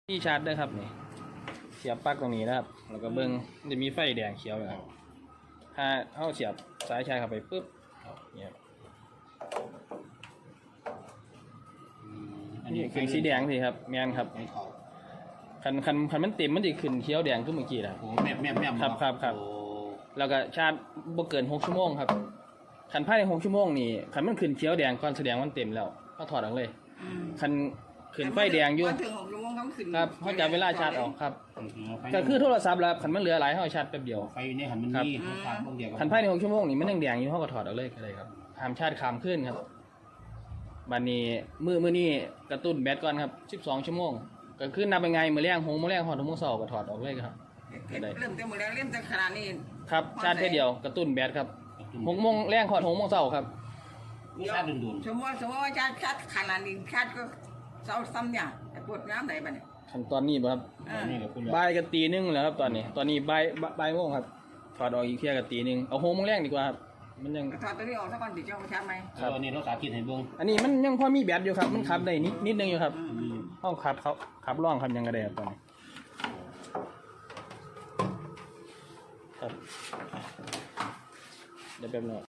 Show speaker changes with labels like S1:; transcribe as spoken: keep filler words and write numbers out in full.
S1: ที่ชาร์จด้วยครับนี่เสียบปลั๊กตรงนี้นะครับแล้วก็เบิ้งจะมีไฟแดงเขียวนะครับถ้าเข้าเสียบสายชาร์จเข้าไปปุ๊บเนี่ยนี่ขึ้นสีแดงสิครับแมนครับคันคันคันมันเต็มมันจะขึ้นเขียวแดงขึ้นเมื่อกี้นะ
S2: โอ้แม่แม่แม่
S1: ครับครับครับแล้วก็ชาร์จบ่เกินหกชั่วโมงครับคันภายในหกชั่วโมงนี่คันมันขึ้นเขียวแดงก่อนแสดงมันเต็มแล้วก็ถอดออกเลยคันขึ้นไฟแดงอยู่ครับเขาจะเวลาชาร์จออกครับก็คือโทรศัพท์แล้วคันมันเหลือหลายเขาชาร์จแป๊บเดียว
S2: ไฟในหันมันมีทางพวกเดียว
S1: คันภายในหกชั่วโมงนี่มันยังแดงอยู่เขาก็ถอดออกเลยก็ได้ครับห้ามชาร์จค้างขึ้นครับบัดนี้มือมือนี่กระตุ้นแบตก่อนครับสิบสองชั่วโมงก็คือนับยังไงมื้อแรงหงมื้อแรงหอดมื้อเช้าก็ถอดออกเลยครับ
S3: เริ่มแต่มื้อแรงเริ่มแต่ขนาดนี้
S1: ครับชาร์จแค่เดียวกระตุ้นแบตครับหกโมงแรงหอดหกโมงเช้าครับ
S2: ชาร์จดุน
S3: ๆสมมติสมมติว่าชาร์จชาร์จขนาดนี้ชาร์จก็เช้าซ้ำอย่างแต่ปวดน้ำไหนบ้างเนี่ย
S1: ขั้นตอนนี้บ่ครับ
S2: นี่กับคุณ
S1: บ่ายกันตีนึงแล้วครับตอนนี้ตอนนี้บ่ายบ่ายโมงครับถอดออกอีกเที่ยกันตีนึงเอาหกโมงแรงดีกว่าครับมันยัง
S3: ถอดตัวนี้ออกสักก่อนติดเจ้าชาร์จไหม
S2: ครับอันนี้เราสาธิตให้เบิ่ง
S1: อันนี้มันยังพอมีแบตอยู่ครับมันขับได้นิดนิดนึงอยู่ครับห้องขับเขาขับร่องขับยังกระเดบตอนนี้ครับเดี๋ยวแป๊บนึง